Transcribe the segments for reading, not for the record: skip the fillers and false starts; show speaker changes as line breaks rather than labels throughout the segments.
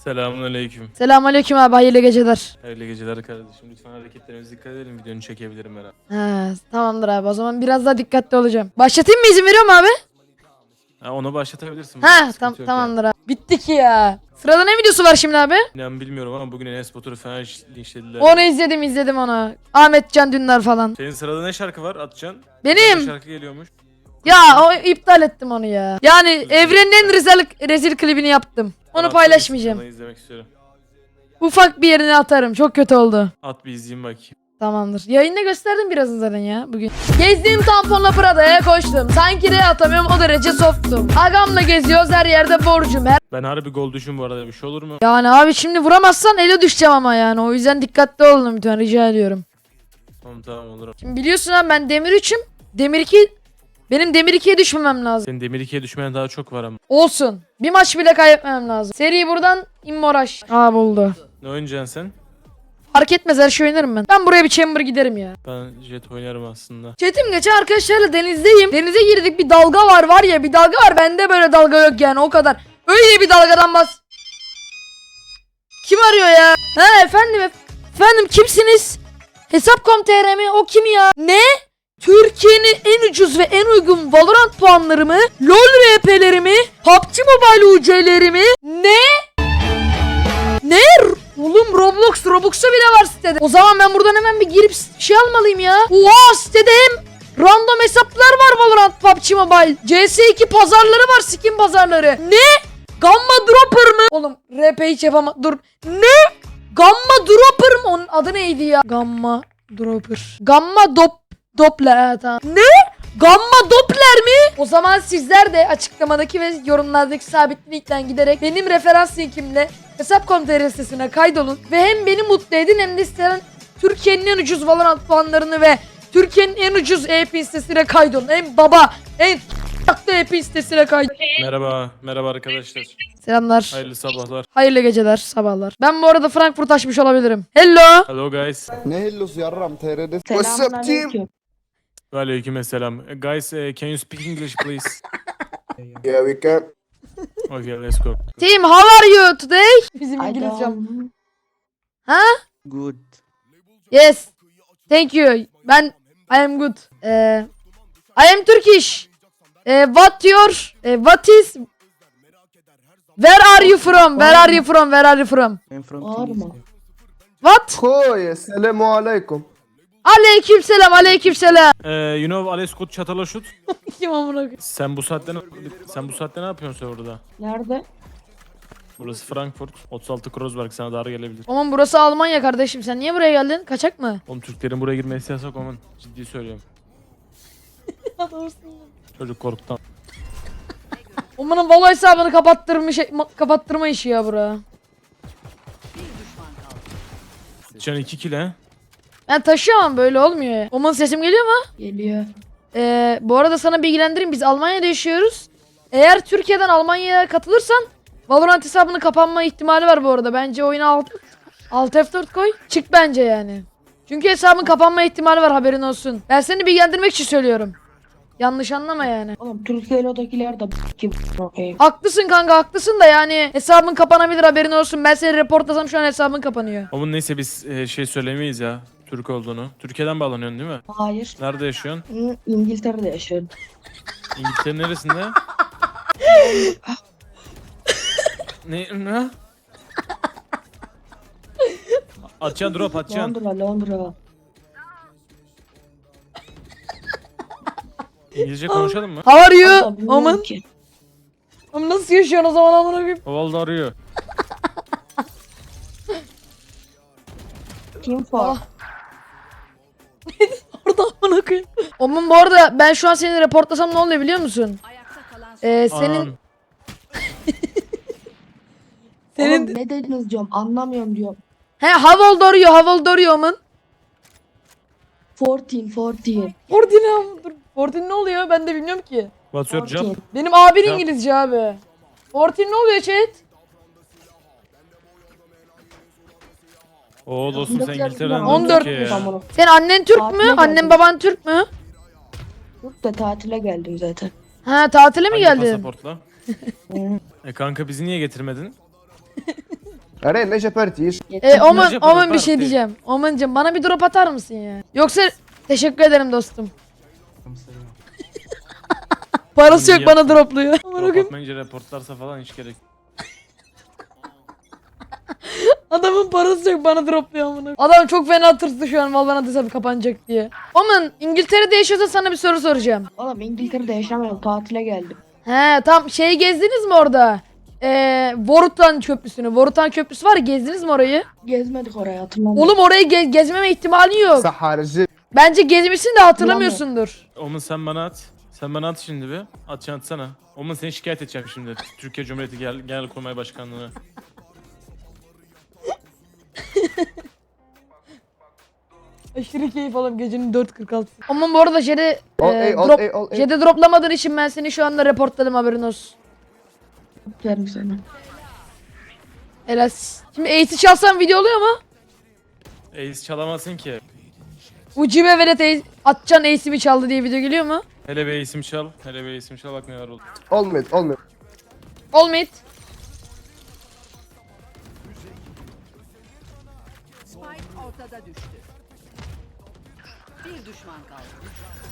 Selamünaleyküm.
Selamünaleyküm abi, hayırlı geceler.
Hayırlı geceler kardeşim. Lütfen hareketlerimize dikkat edelim. Videonu çekebilirim herhalde.
Ha, tamamdır abi, o zaman biraz daha dikkatli olacağım. Başlatayım mı, izin veriyor mu abi?
Ha, onu başlatabilirsin.
Ha
Sıkıntı yok
tamamdır abi. Bitti ki ya. Sırada ne videosu var şimdi abi?
İnan bilmiyorum ama bugün Enes Batur'u fena linçlediler.
Onu izledim onu. Ahmet Can Dündar falan.
Senin sırada ne şarkı var Atcan?
Benim.
Bir şarkı geliyormuş.
Ya o iptal ettim onu ya. Yani evrenin en rezil klibini yaptım. Onu
Bana
paylaşmayacağım.
Onu izlemek istiyorum.
Ufak bir yerine atarım. Çok kötü oldu.
At bir izleyeyim bakayım.
Tamamdır. Yayında gösterdim biraz zaten ya bugün. Gezdiğim tamponla Prada'ya koştum. Sanki de atamıyorum, o derece softum. Agamla geziyoruz, her yerde borcum.
Ben harbi gol düşün bu arada, bir şey olur mu?
Yani abi şimdi vuramazsan ele düşeceğim ama yani. O yüzden dikkatli olun lütfen, rica ediyorum.
Tamam olur.
Şimdi biliyorsun abi, ben Demir 3'üm. Demir 2... Benim Demir 2'ye düşmemem lazım.
Senin Demir 2'ye düşmeyen daha çok var ama.
Olsun. Bir maç bile kaybetmemem lazım. Seri buradan Immoraş. Aa, buldu.
Ne oynayacaksın sen?
Fark etmez, her şey oynarım ben. Ben buraya bir chamber giderim ya.
Ben jet oynarım aslında.
Çetim geçen arkadaşlarla denizdeyim. Denize girdik, bir dalga var ya, bir dalga var. Bende böyle dalga yok yani, o kadar. Öyle bir dalgadan bas. Kim arıyor ya? Ha efendim kimsiniz? Hesap.com.tr mi? O kim ya? Ne? Türkiye'nin en ucuz ve en uygun Valorant puanlarımı, LoL RP'lerimi, PUBG Mobile UC'lerimi, ne? Oğlum Robux'u bile var sitede. O zaman ben buradan hemen bir girip şey almalıyım ya. Oha, sitede hem random hesaplar var Valorant, PUBG Mobile, CS2 pazarları var, skin pazarları. Ne? Gamma Dropper mı? Oğlum RP hiç yapamam. Dur. Ne? Gamma Dropper mı? Onun adı neydi ya? Gamma Dropper. Doppler. Evet, tamam. Ne? Gamma Doppler mi? O zaman sizler de açıklamadaki ve yorumlardaki sabit linkten giderek benim referans linkimle Hesap.com.tr sitesine kaydolun ve hem beni mutlu edin hem de isteyen Türkiye'nin en ucuz Valorant puanlarını ve Türkiye'nin en ucuz EP sitesine kaydolun. En tatlı EP sitesine kaydolun.
Merhaba arkadaşlar.
Selamlar.
Hayırlı sabahlar.
Hayırlı geceler, sabahlar. Ben bu arada Frankfurt açmış olabilirim. Hello.
Hello guys.
Ne hellosu yarram TR'de. What's up team?
Selamünaleyküm.
Aleykümselam. Guys, can you speak English please?
Yeah we can.
Okay, let's go.
Team, how are you today? Bizim
I
İngilizcem.
don't-
Ha?
Good.
Yes. Thank you. I am good. I am Turkish. What Where are you from?
I'm from
Var mı?
What?
Koy. Selamu aleyküm.
Aleykümselam.
You know Aleskut Çatalaşut?
Kim amına koyayım?
Sen bu saatte ne yapıyorsun orada?
Nerede?
Burası Frankfurt. 36 Kreuzberg, sana dar gelebilir.
Aman burası Almanya kardeşim. Sen niye buraya geldin? Kaçak mı?
Oğlum Türklerin buraya girmesi yasak, aman. Ciddi söylüyorum. Çocuk korktu.
Omanın Valo hesabını kapattırma işi ya bura.
Can 2 kill he?
Ben taşıyamam, böyle olmuyor ya. Oman sesim geliyor mu?
Geliyor.
Bu arada sana bilgilendireyim, biz Almanya'da yaşıyoruz. Eğer Türkiye'den Almanya'ya katılırsan Valorant hesabının kapanma ihtimali var bu arada. Bence oyuna alt F4 koy. Çık bence yani. Çünkü hesabın kapanma ihtimali var, haberin olsun. Ben seni bilgilendirmek için söylüyorum. Yanlış anlama yani.
Oğlum Türkiye'dekiler de kim okuyayım.
Haklısın kanka, haklısın da yani hesabın kapanabilir, haberin olsun. Ben seni reportlasam şu an hesabın kapanıyor.
Ama neyse biz şey söylemeyiz ya. Türk olduğunu. Türkiye'den bağlanıyorsun değil mi?
Hayır.
Nerede yaşıyorsun?
İngiltere'de yaşıyorum.
İngiltere'nin neresinde? Ne? Atacaksın drop atacaksın.
Londra.
İngilizce konuşalım mı?
How are you?
Adam bilmiyorum
Aman.
ki.
Ama nasıl yaşıyorsun o zaman amına koyayım?
Ovalda arıyor.
Kim for?
Orada amına koyayım. Aman bu arada ben şu an seni reportlasam ne oluyor biliyor musun? Senin
Anan.
Oğlum ne dediniz diyorum, anlamıyorum diyorum.
how old are you aman?
14.
Fortin ne oluyor? Ben de bilmiyorum ki.
What's your job?
14.
Benim abin
Ya.
İngilizce abi. Fortin ne oluyor chat?
Oo dostum, sen İngiltere'den
14
Türkiye'ye.
Tamam.
Senin annen Türk mü?
Tatile
Annen
geldim.
baban Türk mü?
Yok da tatile geldim zaten.
Ha, tatile mi
Hangi
geldin?
pasaportla?
Hı.
Kanka bizi niye getirmedin?
Arey ne şepertiyiz?
Oman,
Recep
Oman bir şey
Parti.
diyeceğim. Oman'cım bana bir drop atar mısın ya? Yoksa teşekkür ederim dostum. Parası yok
İyi
bana
yaptın.
dropluyor. Aman
Drop
okuyum.
atmayınca reportlarsa falan hiç gerek.
Adamın parası yok bana dropluyor amına. Adam çok fena tırstı şu an Valorant hesabı kapanacak diye. Oman İngiltere'de yaşıyorsa sana bir soru soracağım.
Oğlum İngiltere'de yaşamıyorum. Tatile geldim.
He tam şeyi gezdiniz mi orada? Vorutan Köprüsü'nü. Vorutan Köprüsü var ya, gezdiniz mi orayı?
Gezmedik oraya hatırlamıyorum.
Oğlum orayı gezmeme ihtimalin yok.
Saharcı.
Bence gezmişsin de hatırlamıyorsundur.
Omun sen bana at. Sen bana at şimdi bir. Atsana. Omun seni şikayet edeceğim şimdi. Türkiye Cumhuriyeti Genelkurmay Başkanlığı'na.
Aşırı keyif alıyorum gecenin 4.46. Ama bu arada Jed'e
Ol ey.
Jed'e droplamadığın için ben seni şu anda reportladım, haberin olsun.
Verim sana.
Helal. Şimdi Ace'i çalsam video oluyor mu?
Ace çalamazsın ki.
Ucibe velet Atcan Ace'imi çaldı diye video geliyor mu?
Hele bir isim çal. Hele bir isim çal bak neler oldu.
Olmuyor.
Olmayıt.
Spike ortada düştü. Bir düşman kaldı.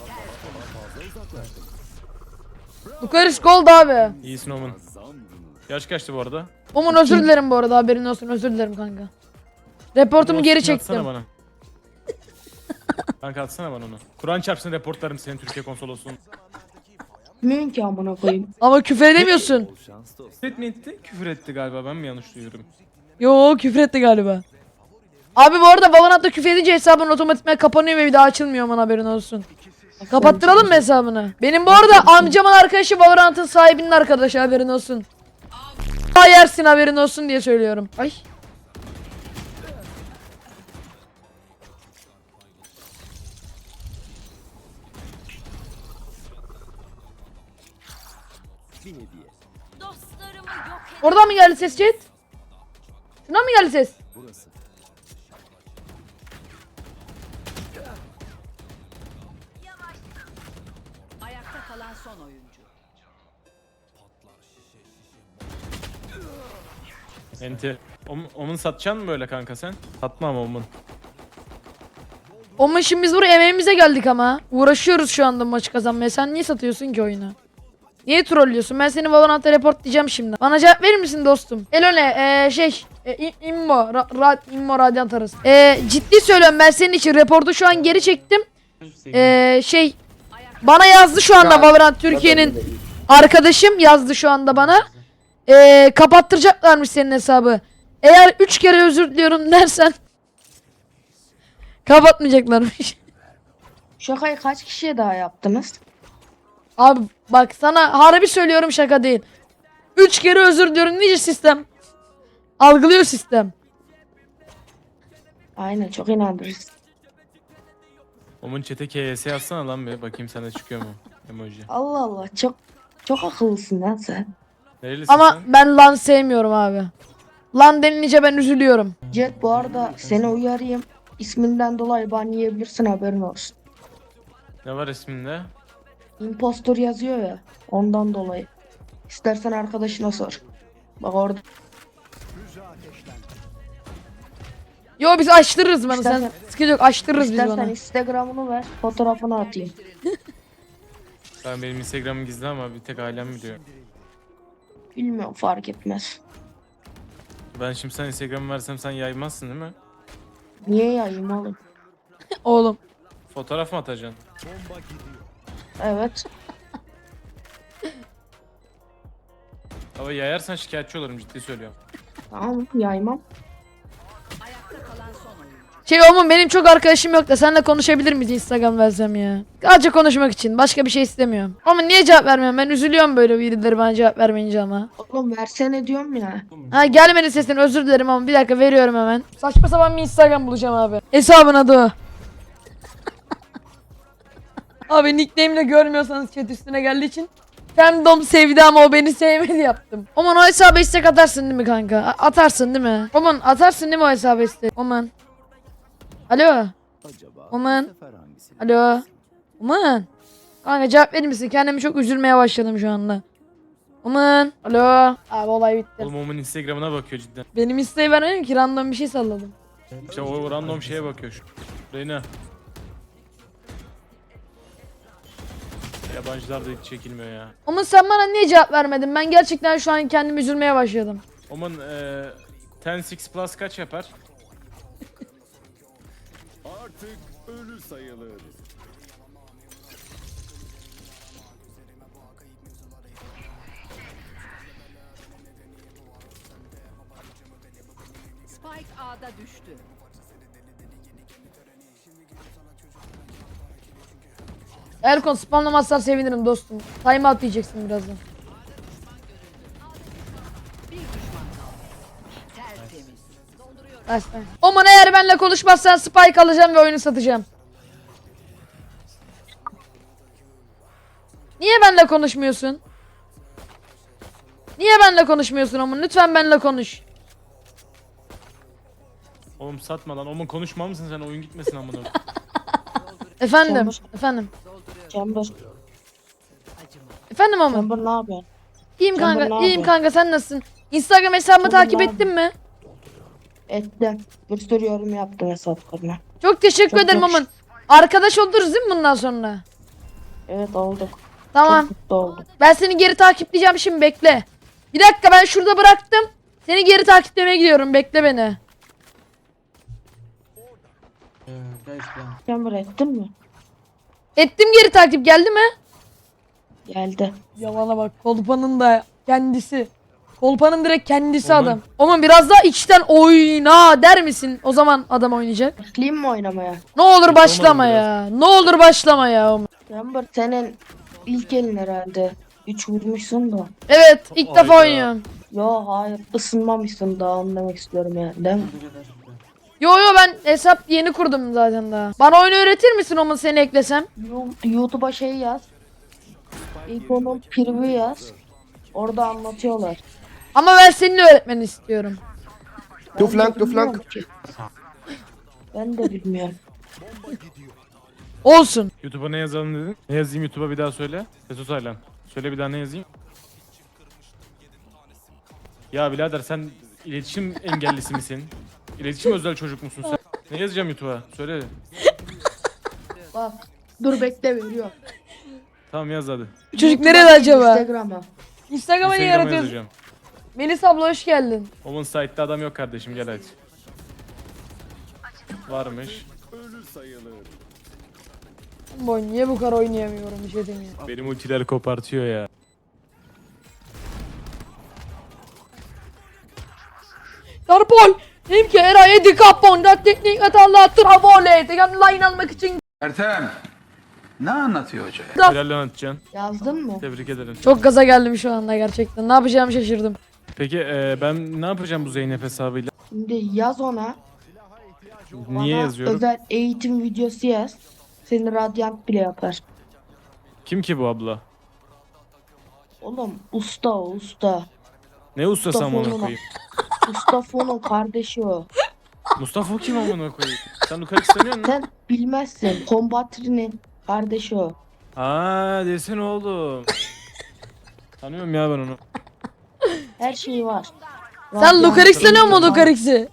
Lukaris gold abi.
İyisin Omun. Yaş kaçtı bu arada?
Omun özür dilerim bu arada, haberin olsun, özür dilerim kanka. Reportumu geri
Atsana
çektim.
bana. Kanka atsana bana onu. Kur'an çarpsın reportlarım senin Türkiye konsolosluğun.
Bilmiyorum ki amına koyayım.
Ama küfür edemiyorsun.
Küfür mi etti? Küfür etti galiba, ben mi yanlış duyuyorum?
Yo, küfür etti galiba. Abi bu arada Valorant'ta küfür edince hesabın otomatikman kapanıyor ve bir daha açılmıyor, aman haberin olsun. Kapattıralım mı hesabını? Benim bu arada amcamın arkadaşı Valorant'ın sahibinin arkadaşı, haberin olsun. Yersin, haberin olsun diye söylüyorum. Ay.
Dostlarımı yok et.
Oradan mı geldi ses chat? Şundan mı geldi ses?
Ayakta kalan son oyuncu.
Enti. Omun satacaksın mı böyle kanka sen? Satma ama Omun.
Ama şimdi biz buraya emeğimize geldik ama. Uğraşıyoruz şu anda maçı kazanmaya. Sen niye satıyorsun ki oyunu? Niye trollüyorsun? Ben seni Valorant'a report diyeceğim şimdi. Bana cevap verir misin dostum? Elone Immo Radiant arası. Ciddi söylüyorum, ben senin için reportu şu an geri çektim. Bana yazdı şu anda Valorant Türkiye'nin arkadaşım yazdı şu anda bana. Kapattıracaklarmış senin hesabı. Eğer 3 kere özür diliyorum dersen kapatmayacaklarmış.
Şakayı kaç kişiye daha yaptınız?
Abi bak sana harbi söylüyorum, şaka değil. 3 kere özür diliyorum nice sistem. Algılıyor sistem.
Aynen çok inandırıcı.
Omun chat'e KS yazsana lan bir bakayım sende çıkıyor mu emoji.
Allah Allah çok akıllısın lan sen.
Nerelisin
Ama
sen?
ben lan sevmiyorum abi. Lan denilince ben üzülüyorum.
Jet bu arada seni uyarayım. İsminden dolayı ban yiyebilirsin, haberin olsun.
Ne var isminde?
Impostor yazıyor ya, ondan dolayı. İstersen arkadaşına sor. Bak orada.
Yo biz açtırırız bana, sen
İstersen-
sıkıntı yok, açtırırız biz
İstersen
bana.
Instagram'ını ver, fotoğrafını atayım.
Benim Instagram'ım gizli ama bir tek ailem biliyor.
Bilmiyorum, fark etmez.
Ben şimdi sen Instagram'ı versem sen yaymazsın değil mi?
Niye yayayım oğlum?
Oğlum.
Fotoğraf mı atacaksın?
Evet.
Ama yayarsan şikayetçi olurum, ciddi söylüyorum.
Tamam, yaymam.
Ayakta kalan son oyuncu.
Oğlum benim çok arkadaşım yok da seninle konuşabilir miyiz Instagram versem ya? Sadece konuşmak için, başka bir şey istemiyorum. Ama niye cevap vermiyorum, ben üzülüyorum böyle birileri bana cevap vermeyince ama.
Oğlum versene diyorum ya.
Ha gelmedi sesin, özür dilerim ama bir dakika veriyorum hemen. Saçma sapan bir Instagram bulacağım abi. Hesabın adı o. Abi nickname'le görmüyorsanız chat üstüne geldiği için. Fandom sevdi ama o beni sevmedi yaptım. Oman o hesaba istek atarsın değil mi kanka? Atarsın değil mi? Oman atarsın değil mi o hesaba istek? Oman. Alo. Oman. Alo. Oman. Kanka cevap verir misin? Kendimi çok üzülmeye başladım şu anda. Aman. Alo. Abi olay bitti.
Oğlum Omen Instagram'ına bakıyor cidden.
Benim isteği vermedim ki random bir şey salladım.
İşte o random şeye bakıyor şu. Reyna. Yabancılar da hiç çekilmiyor ya.
Ama sen bana niye cevap vermedin? Ben gerçekten şu an kendimi üzülmeye başladım.
Omen 10-6 plus kaç yapar?
Artık ölü sayılır.
Spike A'da düştü.
Erkon spamlamazsan sevinirim dostum. Time out diyeceksin birazdan.
Bir düşman kaldı. Tertemiz. Dolduruyorum.
Başla. Aman eğer benimle konuşmazsan spike alacağım ve oyunu satacağım. Niye benimle konuşmuyorsun? Niye benimle konuşmuyorsun Oman? Lütfen benimle konuş.
Oğlum satma lan. Omen konuşma mısın sen? Oyun gitmesin amına.
Efendim.
Chamber.
Efendim.
Chamber.
Efendim Oman.
Chamber ne yapıyorsun?
İyiyim
Chamber
kanka.
ne
İyiyim
yapıyorsun?
kanka. Sen nasılsın? Instagram hesabımı
Chamber
takip
ne
ettin mi?
Ettim. Bir sürü yorum yaptım hesaplarına.
Çok teşekkür
Çok
ederim
hoş.
Oman. Arkadaş oluruz değil mi bundan sonra?
Evet olduk.
Tamam.
Çok mutlu oldum.
Ben seni geri takipleyeceğim şimdi bekle. Bir dakika ben şurada bıraktım. Seni geri takiplemeye gidiyorum. Bekle beni.
Chamber ettin mi?
Ettim geri takip geldi mi?
Geldi.
Yalana bak kolpanın da kendisi. Kolpanın direkt kendisi
Oğlum.
adam. Ama biraz daha içten oyna der misin? O zaman adam oynayacak.
Başlayayım mı oynamaya?
Ne olur
Hiç
başlama
olmadı
ya. Ne olur başlama ya.
Chamber senin ilk elin herhalde. 3 vurmuşsun da.
Evet ilk defa
Hayda.
oynuyorum.
Yo hayır ısınmamışsın daha anlamak istiyorum yani değil mi?
Yo ben hesap yeni kurdum zaten daha. Bana oyunu öğretir misin Oman seni eklesem?
YouTube'a şey yaz. İlk onun preview yaz. Orada anlatıyorlar.
Ama ben senin öğretmeni istiyorum.
Two
Ben
flank,
de
two
bilmiyorum
flank.
ki. Ben de bilmiyorum.
Olsun.
YouTube'a ne yazalım dedin? Ne yazayım YouTube'a bir daha söyle. Seso Taylan. Söyle bir daha ne yazayım? Ya birader sen iletişim engellisi misin? İletişim özel çocuk musun sen? Ne yazacağım YouTube'a? Söyle.
Bak. Dur bekle veriyorum.
Tamam yaz hadi.
Bu çocuk
YouTube'a
nerede
değil,
acaba?
Instagram'a.
Instagram'a niye
Instagram'a
yaratıyorsun?
yazacağım.
Melis abla hoş geldin.
Omen site'da adam yok kardeşim gel hadi. Varmış.
Ölü sayılır.
Boy niye bu kadar oynayamıyorum bir şey demiyor.
Benim ultiler kopartıyor ya.
Darpol! Dedim ki Eray'a dikaponda teknik hatalar travole. Tegan line almak için
Ertem, ne anlatıyor hoca ya?
Helal lan atacaksın.
Yazdın mı?
Tebrik ederim.
çok gaza geldim şu anda gerçekten. Ne yapacağımı şaşırdım.
Peki ben ne yapacağım bu Zeynep hesabıyla?
Şimdi yaz ona.
Niye
Bana
yazıyorum?
özel eğitim videosu yaz. Seni radyant bile yapar.
Kim ki bu abla?
Oğlum usta o usta.
Ne ustası amına
Mustafa
koyayım?
Mustafa'nın kardeşi o.
Mustafa kim amına koyayım? Sen Lukaku istemiyorsun mu?
Sen bilmezsin. Kombatrinin kardeşi o.
Aa desene oğlum. Tanıyorum ya ben onu.
Her şeyi var.
Sen
Radyant
Lucarix sanıyor musun
var.
Lucarix'i?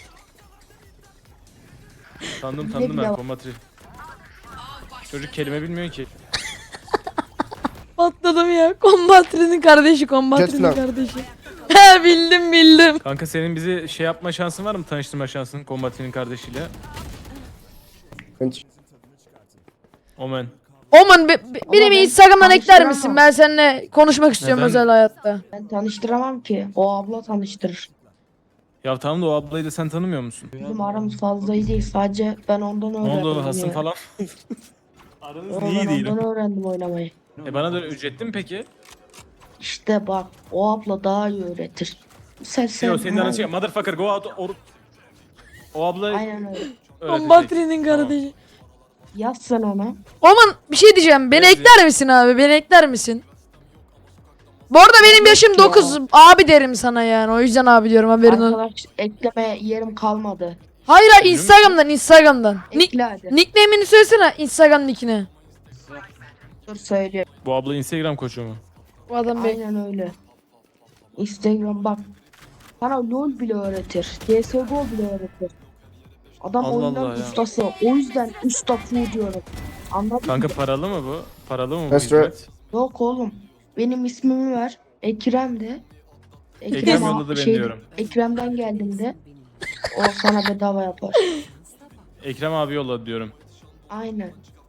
Tanıdım
Ne
ben
bile-
kombatri. Çocuk kelime bilmiyor ki.
Patladım ya. Kombatrinin kardeşi, kombatrinin
Jet lag.
kardeşi. He bildim.
Kanka senin bizi şey yapma şansın var mı? Tanıştırma şansın kombatrinin kardeşiyle.
Finish.
Omen.
Oman benim
ben
Instagram'dan ekler
tanıştıramam.
misin? Ben seninle konuşmak istiyorum
Neden?
özel hayatta.
Ben tanıştıramam ki. O abla tanıştırır.
Ya tamam da o ablayı da sen tanımıyor musun?
Bizim aramız fazla iyi değil. Sadece ben ondan
Ne
öğrendim.
oldu hasım
ya.
falan? Aranız
Ben
iyi değil.
ondan öğrendim oynamayı.
Bana da ücretli mi peki?
İşte bak o abla daha iyi öğretir. Sen
Yok senin aran şey motherfucker go out or... O abla
Aynen öyle.
öğretecek.
Kombatrinin kardeşi.
Yaz sen ona.
Oman bir şey diyeceğim. Beni
Evet.
ekler misin abi? Beni ekler misin? Bu arada benim yaşım
ya.
9. Abi derim sana yani. O yüzden abi diyorum haberin olsun.
Arkadaş ekleme yerim kalmadı.
Hayır Instagram'dan.
Ekle hadi.
Nickname'ini söylesene Instagram nickini.
Dur söyleyeyim.
Bu abla Instagram koçu mu?
Bu adam bey.
Aynen öyle. Instagram bak. Sana LoL bile öğretir. CSGO bile öğretir. Adam
Allah
oyunun
Allah ya.
ustası. O yüzden usta Fu diyorum. Anladın
Kanka
mı?
paralı mı bu? Paralı mı bu
That's right.
hizmet?
Yok oğlum. Benim ismimi ver. Ekrem de.
Ekrem yolladı beni diyorum.
Ekrem'den geldiğinde o sana bedava yapar.
Ekrem abi yolladı diyorum.
Aynen.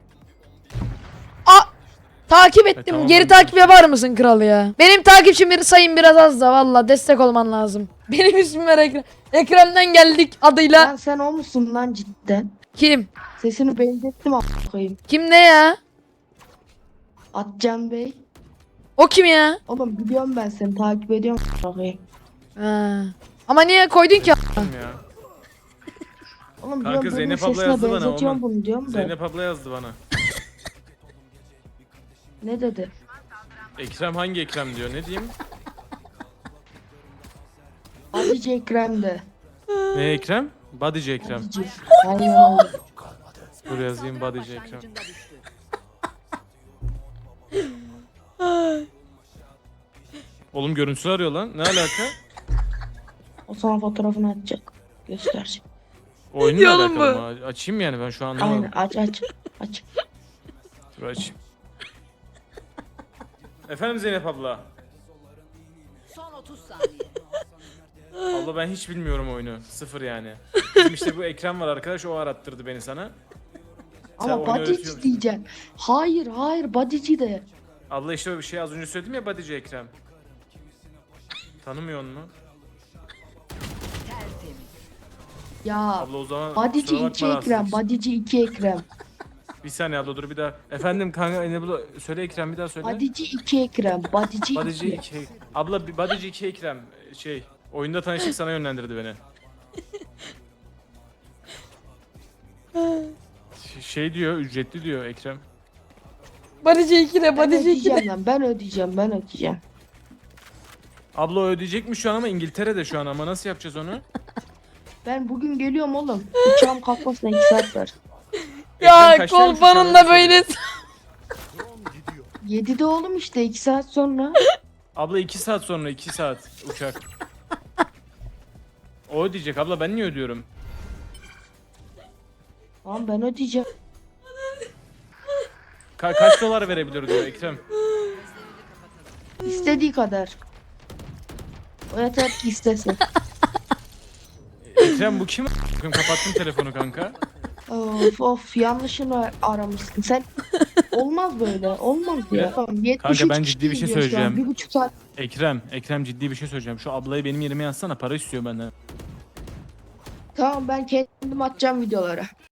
Takip ettim.
tamam
Geri
abi.
takip yapar mısın kral ya? Benim takipçim sayım biraz az da valla destek olman lazım. Benim ismim var Ekrem. Ekrem'den geldik adıyla.
Lan sen o musun lan cidden?
Kim?
Sesini benzettim a**ayım.
Kim ne ya?
Atcan Bey.
O kim ya?
Oğlum biliyorum ben seni takip ediyorum a**ayım.
Ha. Ama niye koydun ki?
Ya.
Oğlum
Kanka,
diyorum benim
Zeynep abla
sesine
yazdı bana,
benzetiyorum
Oman.
bunu diyorum da.
Zeynep abla yazdı bana.
Ne dedi?
Ekrem hangi Ekrem diyor. Ne diyeyim?
Hadice Ekrem de.
Ne Ekrem? Bodyci Ekrem.
Hadice. Aynen öyle.
Dur yazayım Bodyci Ekrem.
Başlangıcında düştü.
Oğlum görüntüsü arıyor lan. Ne alaka?
O sana fotoğrafını atacak. Gösterecek.
Oyunla
diyor oğlum
alakalı mı? Açayım yani ben şu an anlamadım.
Aynen aç aç. Aç.
Dur açayım. Efendim Zeynep abla.
Son 30 saniye.
Abla ben hiç bilmiyorum oyunu. Sıfır yani. Bizim işte bu Ekrem var arkadaş, o arattırdı beni sana. Sen
Ama
oyunu
Badici
öğretiyormuşsun.
diyeceksin. Hayır hayır Badici de.
Abla işte öyle bir şey az önce söyledim ya, Bodyci Ekrem. Tanımıyor mu?
Tertemiz.
Ya
Abla o zaman
Badici
kusura
2
bakma
Ekrem.
rahatsız.
Badici 2 Ekrem.
Bir saniye abla dur bir daha. Efendim kanka ne bu? Söyle Ekrem, bir daha söyle.
Badici 2 Ekrem. Badici
Bodyci
2.
2. Abla bir Bodyci 2 Ekrem. Oyunda tanıştık, sana yönlendirdi beni. Diyor, ücretli diyor Ekrem.
Badici 2'de
Ben
Badici 2'de.
ödeyeceğim lan. Ben ödeyeceğim.
Abla o ödeyecekmiş şu an ama İngiltere'de şu an, ama nasıl yapacağız onu?
Ben bugün geliyorum oğlum. Uçağım kalkmasına 2 saat var.
Ya
Ekrem kaçtaymış
kolpanın
uçağı,
da
öyle
böyle.
söyle.
7'de oğlum işte 2 saat sonra.
Abla 2 saat sonra, 2 saat uçak. O ödeyecek abla, ben niye ödüyorum?
Tamam ben ödeyeceğim.
Kaç dolar verebilir diyor Ekrem.
İstediği kadar. O yeter ki istesin.
Ekrem bu kim? Kapattım telefonu kanka.
Of yanlışını aramışsın. Sen olmaz böyle. Olmaz ya. Tamam, 73
Kanka, ben
kişi
ciddi bir şey
izliyor şu an.
söyleyeceğim.
1,5 saat.
Ekrem ciddi bir şey söyleyeceğim. Şu ablayı benim yerime yazsana, para istiyor benden.
Tamam ben kendim atacağım videolara.